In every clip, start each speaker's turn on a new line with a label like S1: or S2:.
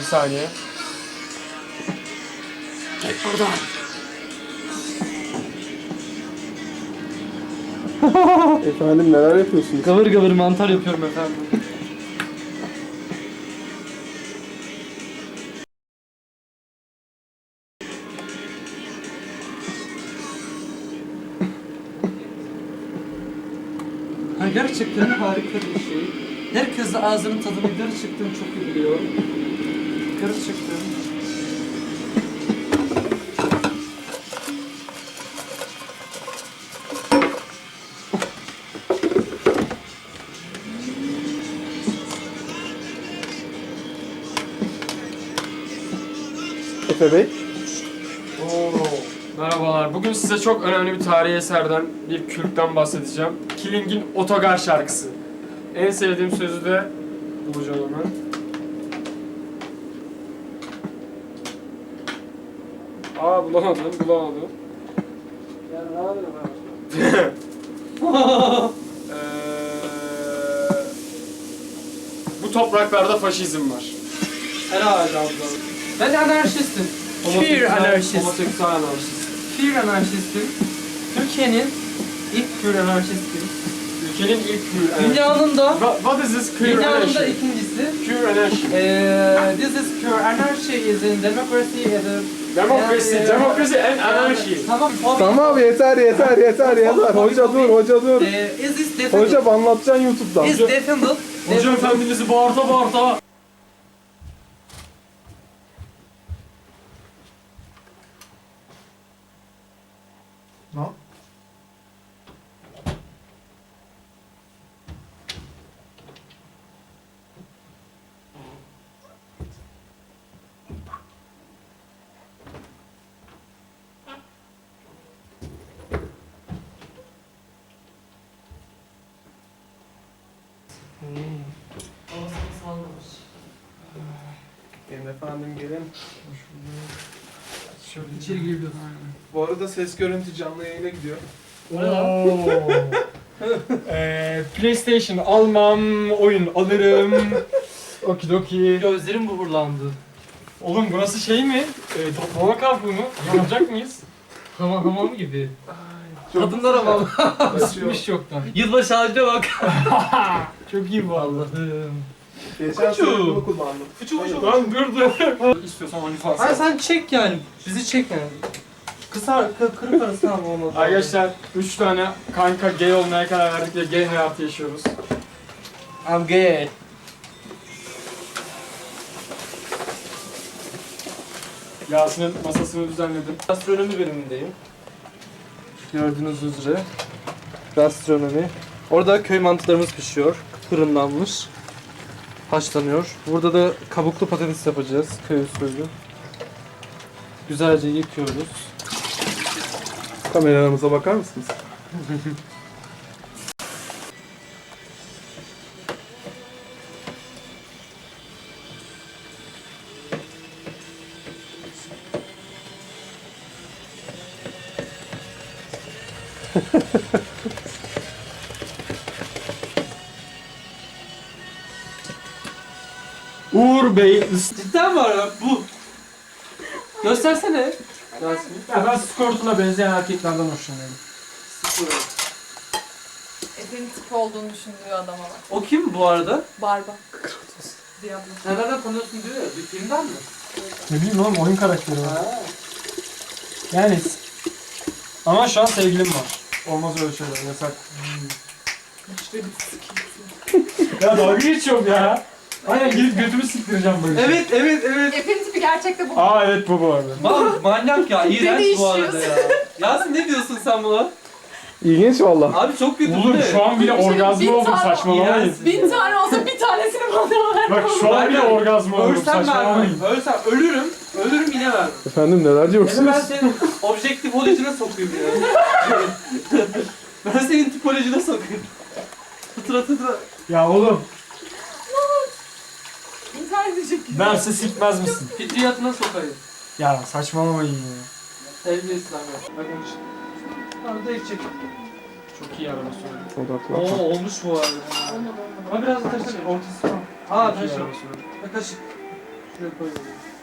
S1: saniye. Gel buradan.
S2: Efendim neler yapıyorsunuz?
S3: Gavır gavır mantar yapıyorum efendim. Ha, gerçekten harika bir şey. Herkes de ağzının tadını gerçekten çok iyi biliyor. Gerçekten.
S2: Efe Bey.
S1: Merhabalar. Bugün size çok önemli bir tarihi eserden, bir kürkten bahsedeceğim. Killing'in Otogar şarkısı. En sevdiğim sözü de bulacağım hemen. Bulamadım.
S3: Ya ne yapayım
S1: Bu topraklarda faşizm var.
S3: Herhalde abla. Ben anarşistim. Queer anarşist.
S1: Homoseksüel anarşist.
S3: Queer anarşistim. Türkiye'nin ilk queer anarşistim.
S1: Ülkenin ilk queer anarşist.
S3: Dünyanın da
S1: What is this queer
S3: Dünyanın
S1: anarchy?
S3: da ikincisi.
S1: Queer anarchy.
S3: This is queer anarchy is in democracy as a...
S1: Democracy and anarchy.
S3: Tamam.
S2: Tamam yeter. Hoca dur.
S3: Is this defended?
S2: Hocam anlatacaksın YouTube'dan.
S3: Is defended?
S1: Hoca efendinizi bağırta.
S2: Ne?
S3: Ağzını sallamış.
S2: Gelin efendim gelin.
S1: Şöyle
S3: İçeri girebiliyorsun.
S2: Bu arada ses görüntü canlı yayına gidiyor.
S1: PlayStation almam, oyun alırım. Okidoki.
S3: Gözlerim buhurlandı.
S1: Oğlum burası şey mi? Toplama kampı mı? Yanacak mıyız?
S3: Hamam gibi.
S2: Çok
S3: Kadınlar hamam.
S1: Isıtmış çoktan.
S3: Yılbaşı ağacına bak.
S1: Çok iyi bu arada.
S3: Allah'ım.
S2: Geçen sene bunu kullandım.
S1: Lan dur. İstiyorsan OnlyFans.
S3: Hayır sen çek yani. Bizi çek yani. Kırık arası tamam olmadı.
S1: Arkadaşlar 3 tane kanka gay olmaya karar verdik ve gay hayatı yaşıyoruz.
S3: I'm gay.
S1: Yasin'in masasını düzenledim.
S3: Gastronomi bölümündeyim. Gördüğünüz üzere. Gastronomi. Orada köy mantılarımız pişiyor. Fırınlanmış. Haşlanıyor. Burada da kabuklu patates yapacağız. Köy usulü. Güzelce yıkıyoruz.
S2: Kameralarımıza bakar mısınız?
S1: Uğur Bey.
S3: Cidden mi var bu? Göstersene. Yasin.
S1: Ya ben Skortuna benzeyen erkeklerden hoşlanıyorum.
S4: Efe'nin tip olduğunu düşündüğü adama bak.
S3: O kim bu arada?
S4: Barba. Diablo.
S3: Sen nereden tanıyorsun diyor ya. Bir filmden mi?
S1: Ne bileyim oğlum oyun karakteri var. Yani ama şu an sevgilim var. Olmaz öyle şeyler yasak.
S4: İşte bir sıkıntı.
S1: Ya dalga geçiyorum ya. Aynen gidip götümü siktireceğim böyle.
S3: Evet.
S4: Efe'nin tipi gerçekte bu.
S1: Evet bu arada.
S3: Manyak ya. İğrenç bu arada
S4: Değişiyorsun.
S3: ya. Yasin ne diyorsun sen buna?
S2: İlginç valla.
S3: Abi çok kötü
S1: Oğlum
S3: bu ne?
S1: şu an bile
S4: Bir şey-
S1: orgazm
S4: bir
S1: oldum
S4: tane-
S1: saçmalamayın.
S3: İğrenç.
S4: 1000 tane olsa bir tanesini bana ver.
S1: Bak şu an bile orgazm oldum
S3: Ölsem vermem.
S1: saçmalamayın.
S3: Ölsem ölürüm yine vermem.
S2: Efendim neler
S3: Hem ben
S2: diyorsunuz?
S3: senin objektif tipolojine sokayım ya. Ben senin tipolojine sokayım. Tıtıra.
S1: Ya oğlum
S4: İntihar edecek.
S1: derse sikmez misin?
S3: Fitriyatına sokayım.
S1: Ya saçmalamayın ya.
S3: Terbiyesiz abi. Bakın işte. Arada içecek.
S1: Çok iyi araba söyledi.
S2: Odaklan.
S3: Olmuş bu arada. Ama biraz da taşır. Ortası tamam. Aa
S1: Çok iyi
S3: taşır.
S1: araba söyledi.
S3: Kaşık. Şuraya koyalım.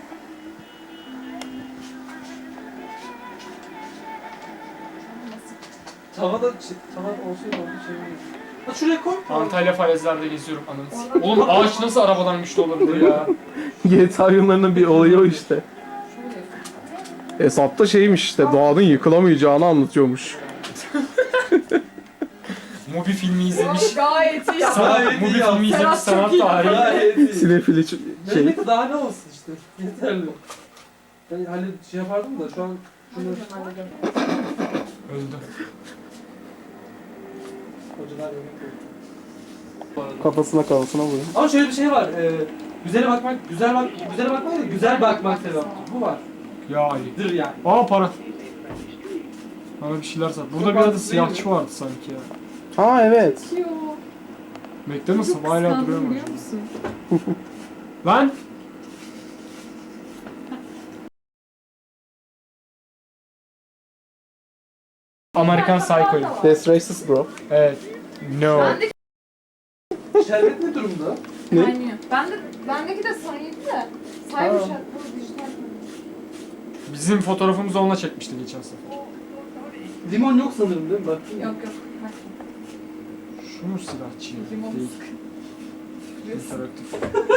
S3: Tavada olsaydı onu şey mi? Ha şuraya koy.
S1: Antalya falezlerde geziyorum ananı. Oğlum ağaç nasıl arabadan güçlü olabilir ya?
S2: GTA oyunlarının bir olayı o işte. Hesapta şeymiş işte, doğanın yıkılamayacağını anlatıyormuş.
S1: Mobi filmi izlemiş.
S4: Gayet iyi yaptın.
S3: Gayet
S1: Mobi
S3: iyi
S1: filmi izlemiş
S4: Serhat çok
S1: sanat
S4: iyi.
S1: tarihi.
S3: Gayet iyi.
S2: Sinefili şey.
S3: Ne daha ne olsun işte. Yeterli. Ben hani şey yapardım da şu an şunu
S1: Öldü.
S3: hocalar yemek yiyor.
S2: Kafasına vurun.
S3: Ama şöyle bir şey var. Güzele bakmak, güzele bakmak değil, güzel bakmak sevaptır. Bu var.
S1: Ya Ali.
S3: Dır yani.
S1: Aa para. Bana bir şeyler sat. Burada bir adı siyahçı vardı sanki ya.
S2: Ha evet.
S4: Yo.
S1: McDonald's'ım hala duruyor
S4: Kıskandım
S1: mu?
S4: biliyor musun?
S1: Lan! Amerikan Psycho'yu.
S2: That's racist bro.
S1: Evet. No.
S4: Ben de
S3: Şerbet ne durumda?
S2: Ne?
S4: kaynıyor. Bendeki de sayıydı da. Saymış ya. Bu dijital.
S1: Bizim fotoğrafımızı onunla çekmişti geçen sefer.
S3: Limon yok sanırım değil mi? Bak.
S4: Yok yok.
S1: Şu mu silahçı?
S4: Limon
S1: Değil.
S4: sık.
S1: İnteraktif.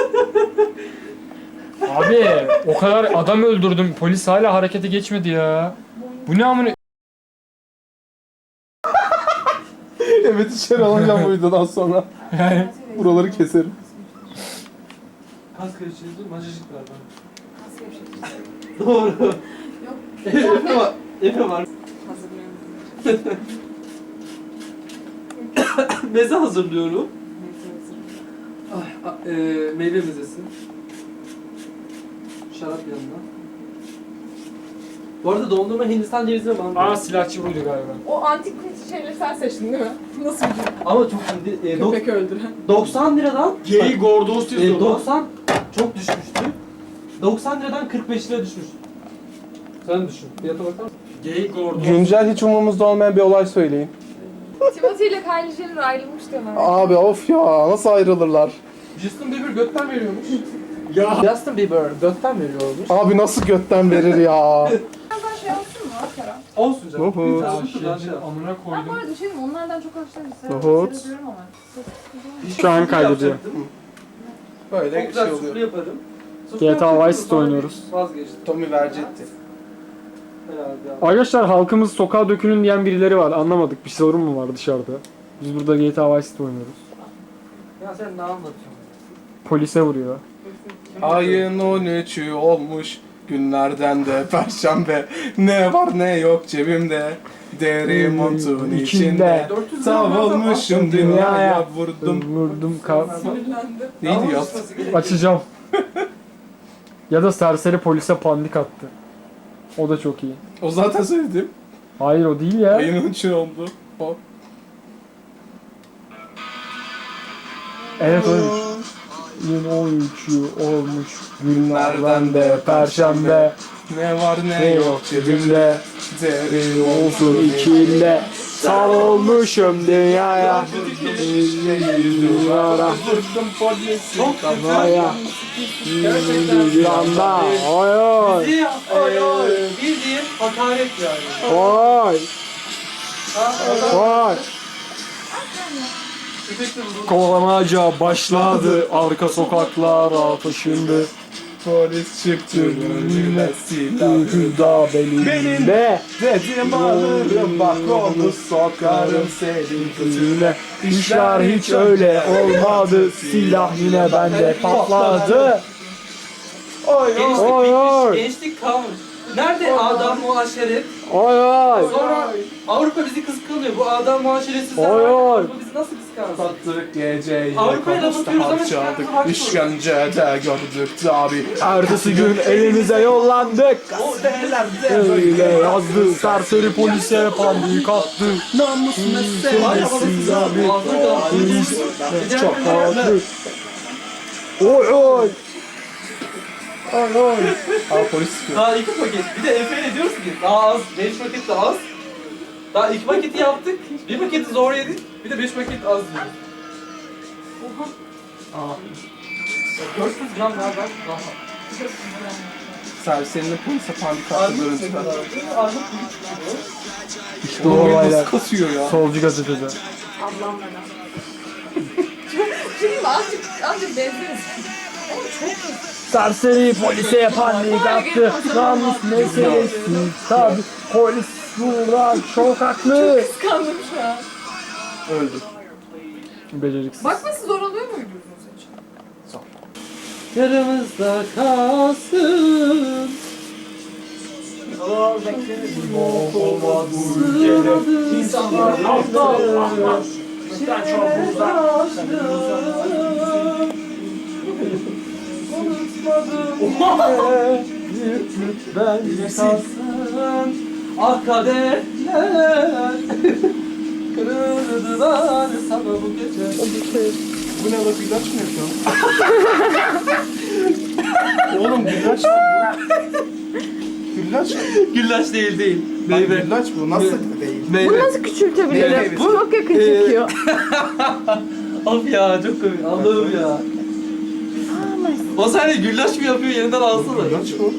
S1: Abi o kadar adam öldürdüm. Polis hala harekete geçmedi ya. Bu ne amına?
S2: Evet, içeri alacağım bu videodan sonra.
S1: Yani
S2: Buraları keserim.
S3: Kas karıştırıcı majajik var bana.
S4: Nasıl bir şey?
S3: Doğru.
S4: Yok.
S3: Efe var. Efe var.
S4: Hazırlıyorum.
S3: Meze hazırlıyorum. Meyve mezesi. Şarap yanında. Bu arada dondurma Hindistan cevizine bandı.
S1: aa silahçı buydu galiba.
S4: O antik şeyleri sen seçtin değil mi? Nasıl bir şey?
S3: Ama çok şimdi
S4: Köpek öldüren.
S3: 90 liradan
S1: Gay Gordos yazıyor lan.
S3: 90 çok düşmüştü. 90 liradan 45 lira düşmüş. Sen düşün. Fiyata bakar mısın?
S1: Gay Gordos.
S2: Güncel hiç umurumuzda olmayan bir olay söyleyin.
S4: Timothy ile Kylie Jenner ayrılmış diyorlar.
S2: Abi of ya, nasıl ayrılırlar?
S3: Justin Bieber götten veriyormuş.
S1: Ya.
S3: Justin Bieber götten veriyormuş.
S2: Abi nasıl götten verir ya?
S4: Birazdan şey olsun mu Kerem?
S3: Olsun canım.
S2: Oho.
S3: Bir
S1: Ya
S3: tane şuradan şey
S1: şey,
S3: yap.
S1: amına
S4: Ben bu
S1: koydum.
S4: arada bir şey diyeyim, onlardan çok hoşlanıyorum.
S2: Nohut.
S4: Seviyorum ama.
S1: Şu an
S3: Sufle
S1: kaydediyor.
S3: yapacaktım.
S2: Böyle
S3: Çok güzel sufle yaparım. Sufle
S1: GTA
S3: yapacaktım,
S1: Vice City
S3: sonra
S1: oynuyoruz.
S3: Vazgeçtim.
S2: Tommy verecekti.
S3: Herhalde ya.
S1: Arkadaşlar halkımız sokağa dökülün diyen birileri var. Anlamadık. Bir sorun mu var dışarıda? Biz burada GTA Vice City oynuyoruz.
S3: Ya sen ne anlatıyorsun?
S1: Polise vuruyor.
S2: Ayın 13'ü olmuş, günlerden de perşembe. Ne var ne yok cebimde, deri montun içinde.
S3: 400
S2: Savrulmuşum dünyaya vurdum.
S1: Vurdum
S4: Sinirlendi.
S2: Neydi ya?
S1: Açacağım. Ya da serseri polise pandik attı. O da çok iyi.
S2: O zaten söyledim.
S1: Hayır o değil ya.
S2: Ayın 13'ü oldu. O.
S1: Evet oymuş. Yine 13'ü olmuş günlerden de perşembe.
S2: Ne var ne
S1: Ne
S2: yok
S1: yok
S2: cebimde,
S1: cebimde.
S2: deri
S1: Olsun
S2: montun
S1: içinde. Sarılmışım dünyaya. Dünyara.
S2: Vurdum polisi
S3: Çok kötü.
S1: Dünyaya. Bir anda. Oy oy.
S3: Bildiğin hakaret yani.
S1: Oy. Oy.
S3: Köpekle vurulmuş.
S1: Kovalamaca başladı. Arka sokaklara taşındı.
S2: Polis çıktı önüme silahı.
S1: Hüda belinde.
S2: Dedim alırım bak onu sokarım senin
S1: Yüzüne. İşler hiç öyle olmadı. Silah yine bende patladı.
S2: Oy
S3: Gençlik
S1: Oy, oy.
S3: bitmiş, gençlik kalmış. Nerede adam muaşeret?
S1: Oy oy.
S3: Sonra Avrupa bizi kıskanıyor. Bu adam muaşeretsizler
S1: Oy,
S3: var.
S1: oy.
S3: Avrupa bizi nasıl kıskansın?
S2: Sattık geceyi,
S3: Avrupa'ya laf
S2: konuşta
S3: atıyoruz ama
S2: harcadık,
S3: çıkartma hakkı
S2: işkencede gördük tabi.
S1: Ertesi gün elimize yollandık.
S3: O
S1: Öyle yazdı. Serseri polise pandik attı.
S2: Namusuna sen.
S3: Var ama siz abi.
S1: Çok haklı. Oy oy. Oy oy.
S2: Aa polis sıkıyor.
S3: Daha 2 paket. Bir de Efe'yle diyoruz ki daha az. 5 paket de az. Daha 2 paketi yaptık. 1 paketi zor yedik. Bir de 5 paket az yedik.
S4: Oha.
S3: Aa. 400 gram daha ben daha.
S2: Serserinin polise panik attı
S3: Armut ne
S2: görüntüler.
S3: kadardı? Armut bir çıkıyor.
S2: İşte o nasıl kasıyor ya.
S1: Solcu gazeteci.
S4: Ablam bana. Şimdi azıcık benziyoruz. Ama çok kötü.
S1: Serseri polise yapanlık yaptı. Namus meselesi. Tabi polis burada çok haklı.
S4: Kıskandım şu an.
S2: Öldü.
S1: Beceriksiz.
S4: Bakması zor oluyor muydu uzun saç?
S3: Yanımızda kalsın.
S1: İnsanlar
S3: Bizden çok uzak. Unutmadım ben kalsın. Ah kaderler kırıldılar sana bu gece.
S2: Bu ne la, güllaç mı yapıyorsun? Oğlum güllaç mı bu? Güllaç mı?
S3: Güllaç değil.
S2: Lan
S3: Meyve.
S2: güllaç bu nasıl değil?
S5: Bunu
S3: Meyve.
S5: nasıl küçültebilirim?
S2: Meyve.
S5: Bu çok yakın çekiyor.
S3: Of ya çok komik. Allah'ım ya. O saniye güllaç mı yapıyor yeniden alsana.
S2: Güllaç bu.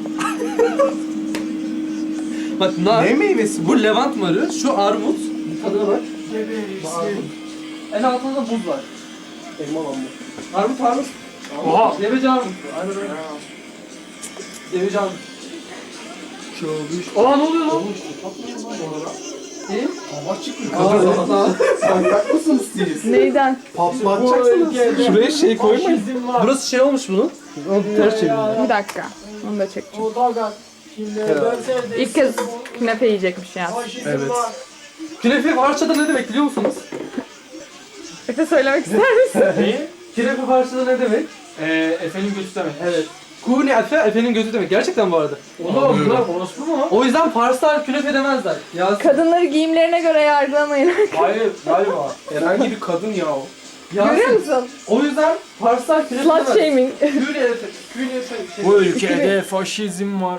S3: Bak nar.
S2: Ne meyvesi bu?
S3: Bu levant marı, şu armut. Tadına bak. En altında da buz var.
S2: Elma lan bu.
S3: Armut.
S1: Oha.
S3: Deveci armut. Aynen öyle. Deveci armut.
S1: Oha ne oluyor lan?
S3: İyi.
S2: Hava çıkmıyor. Sanyak mısınız siz?
S5: Neyden?
S2: Patlatacaksınız. Şuraya şey koymayın.
S3: Burası şey olmuş bunun. Onu ters çevirin.
S5: Bir dakika. Onu da çekeceğim.
S1: Otogar.
S5: İlk kez künefe yiyecekmiş ya.
S2: Evet.
S3: Künefe parçada ne demek biliyor musunuz?
S5: Efe söylemek ister misin?
S1: Neyi?
S3: Künefe parçada ne demek?
S1: Efendim götü demek.
S3: Evet. Kuni Efe, Efe'nin gözü demek. Gerçekten bu arada.
S1: Oğlum bunlar orospu mu?
S3: O yüzden Farslar künefe demezler. Ya
S5: Kadınları giyimlerine göre yargılamayın.
S1: Hayır galiba.
S2: Herhangi bir kadın ya o.
S5: Görüyor musun?
S3: O yüzden Farslar künefe
S5: Slut
S3: demez.
S5: shaming.
S3: Kuni Efe.
S1: Bu ülkede faşizm var.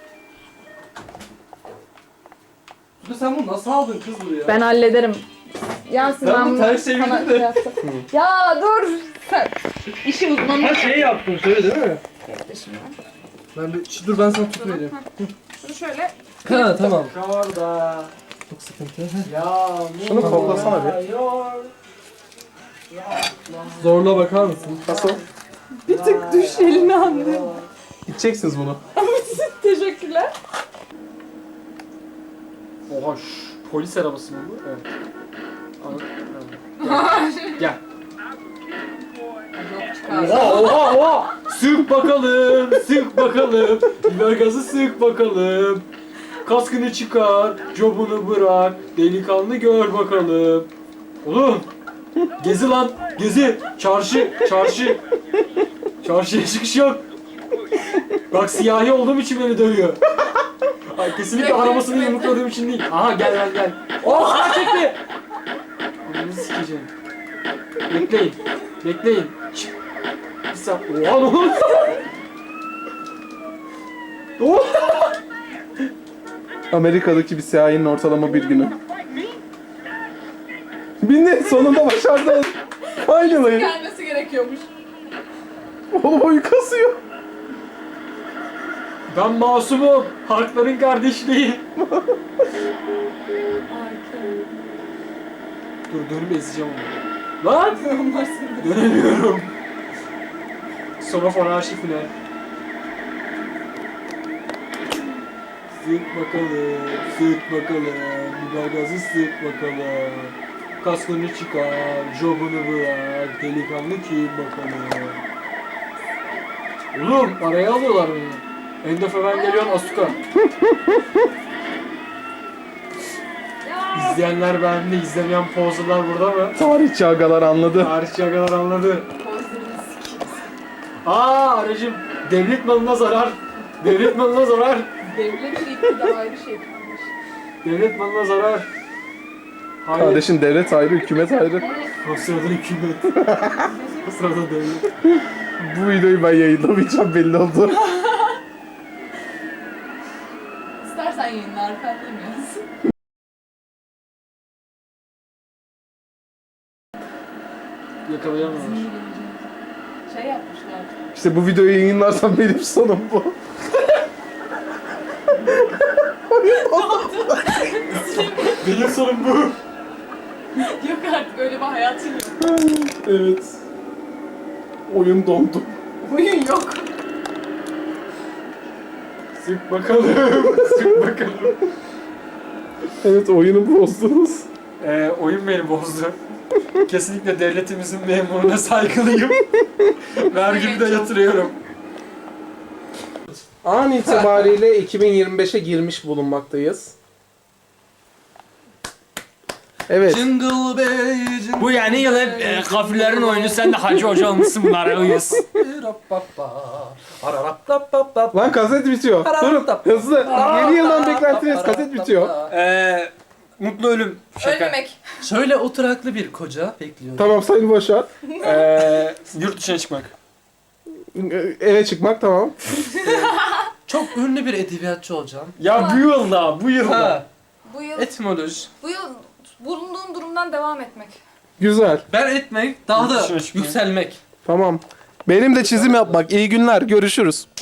S3: Sen bunu nasıl aldın kız buraya?
S5: Ben hallederim. Yasin
S3: Ben
S5: ben
S3: bunu
S5: bunu
S3: ters çevirdim
S5: sana
S3: de.
S5: şey yaptım. Ya dur. Sen işi uzmanı.
S3: Ha şey yaptın şöyle değil mi?
S5: Bekle şimdi.
S3: Ben bir, dur ben sana tut vereyim.
S5: Şunu şöyle.
S3: Ha tamam.
S1: Şurada
S3: Çok sıkıntı.
S1: yağmur
S2: Şunu koklasana bir.
S1: yağıyor.
S3: Zorla bakar mısın?
S2: Nasıl?
S5: Bir tık düş elini anlıyorum.
S2: İçeceksiniz bunu.
S5: Teşekkürler.
S1: Oha polis arabası mı bu? Evet. Evet. Gel. Oha. Sık bakalım, sık bakalım. Biber gazı sık bakalım. Kaskını çıkar, cobunu bırak. Delikanlı gör bakalım. Oğlum. Gezi lan, gezi. Çarşı. Çarşıya çıkış yok. Bak siyahi olduğum için beni dövüyor. Ay, kesinlikle arabasını yumrukladığım için değil. Aha gel. Oha çekti. Onu sikeceğim. Bekleyin. Şşt. Bir saniye. Oha ne oldu? Oha.
S2: Amerika'daki bir siyahinin ortalama bir günü. Bindi, sonunda başardın. Finally.
S4: Gelmesi gerekiyormuş.
S2: Oğlum oyu kasıyor.
S1: Ben masumum. Halkların kardeşliği. Dur dönüp ezeceğim onu. Lan! Dönemiyorum. Sonofon arşivine. Sık bakalım. Biber gazı sık bakalım. Kaskını çıkar, jobunu bırak. Delikanlı kim bakalım. Oğlum araya alıyorlar beni. Endofeven geliyor Asuka. İzleyenler beğendi, izlemeyen pozlar burada mı?
S2: Tarihçi agalar anladı.
S1: Tarihçi kadar anladı. Aracım devlet malına zarar. Devlet malına zarar.
S4: Devletin iktidarı şey yapmış.
S1: Devlet malına zarar. Hayır.
S2: Kardeşim devlet ayrı, hükümet ayrı.
S1: O sırada hükümet. O sırada devlet.
S2: Bu videoyu ben yayınlamayacağım, belli oldu.
S4: İstersen yayınla arkandayız.
S1: Yakalayamıyorlar.
S5: Şey yapmışlar.
S2: İşte bu videoyu yayınlarsam benim sonum bu.
S1: Benim sorun bu.
S5: Yok artık öyle bir hayatım yok.
S2: Evet. Oyun dondu.
S5: Oyun yok.
S1: Sık bakalım. Sık bakalım.
S2: Evet, oyunu bozdunuz.
S1: Oyun beni bozdu. Kesinlikle devletimizin memuruna saygılıyım. Vergimi de yatırıyorum.
S2: An itibariyle 2025'e girmiş bulunmaktayız. Evet.
S3: Jingle bell, jingle
S1: Bu yani yıl hep kafirlerin oyunu. Sen de hacı hoca olmuşsun bunlara uyuz.
S2: Lan kaset bitiyor. Durun hızlı. Yeni yıldan beklentiniz, kaset bitiyor.
S1: Mutlu ölüm. Şaka.
S5: Ölmemek.
S3: Şöyle oturaklı bir koca bekliyor.
S2: Tamam Sayın Başar.
S1: Yurt dışına çıkmak.
S2: Eve çıkmak tamam.
S3: Çok ünlü bir edebiyatçı olacağım.
S1: Ya bu yılda, bu yılda.
S3: Ha,
S5: Bu yıl,
S3: etimoloji.
S5: bu yıl bulunduğum durumdan devam etmek.
S2: Güzel.
S3: Ben etmek, daha da
S1: Yurt dışına çıkmak.
S3: yükselmek.
S2: Tamam. Benim de çizim yapmak. İyi günler. Görüşürüz.